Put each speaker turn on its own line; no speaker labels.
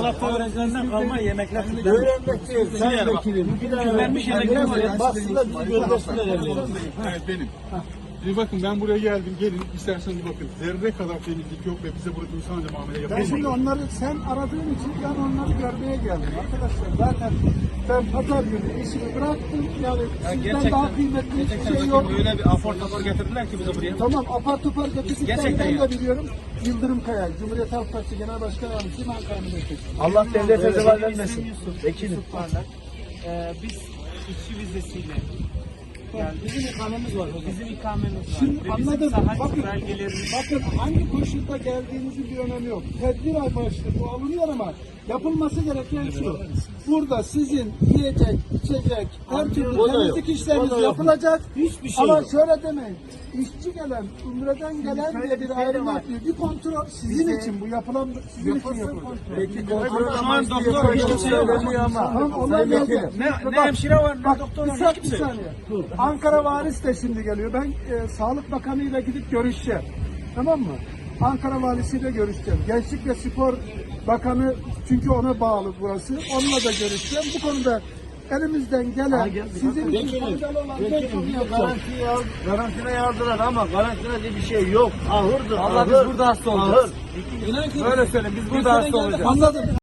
tarafta öğrencilerinden kalma yemekler.
Öğrenmek değil, sen vekilim.
Vermiş yemekler var ya.
Baksınlar bizi göndersinler evlerine.
Evet benim. Şimdi bakın ben buraya geldim, gelin isterseniz bakın. Zerre kadar temizlik yok ve bize burada insanca muamele
Ben
yapılmıyor.
şimdi onları sen aradığın için ben onları görmeye geldim arkadaşlar. Zaten ben pazar günü işimi bıraktım. Yani sizden daha kıymetli hiçbir şey yok.
Öyle bir apar topar getirdiler ki bize buraya.
Tamam apar topar getirdiklerini
Gerçekten
ben de biliyorum. Yıldırım Kaya, Cumhuriyet Halk Partisi Genel Başkan Yardımcısı Ankara Milletvekili.
Allah devlete zeval vermesin.
Vekilim. Biz işçi vizesiyle yani bizim ikamemiz var. Bizim ikamemiz var.
Şimdi
Ve
anladım.
bizim saha
Bakın,
belgelerimiz.
bakın hangi koşulda geldiğinizin bir önemi yok. Tedbir amaçlı bu alınıyor ama yapılması gereken şu. Burada sizin yiyecek, içecek, her türlü temizlik işleriniz yapılacak.
Hiçbir şey
ama
yok.
şöyle demeyin. İşçi gelen, umreden gelen diye bir ayrım yapıyor. Bir kontrol sizin için bu yapılan, sizin için yapılıyor.
Peki kontrol
Şu an doktor hiç kimse yok.
Tamam, onlar geldi.
Ne hemşire var, ne
Bak,
doktor
bir
var, ne kimse yok.
saniye. Ankara Valisi de şimdi geliyor. Ben Sağlık Bakanı ile gidip görüşeceğim. Tamam mı? Ankara Valisi ile görüşeceğim. Gençlik ve Spor Bakanı, çünkü ona bağlı burası. Onunla da görüşeceğim. Bu konuda elimizden gelen, sizin için faydalı olan her konuyu yapacağız.
Karantina yazdılar ama karantina diye bir şey yok. Ahırdır.
Allah biz burada hasta olacağız. Böyle söyle, biz burada hasta olacağız.
Anladım.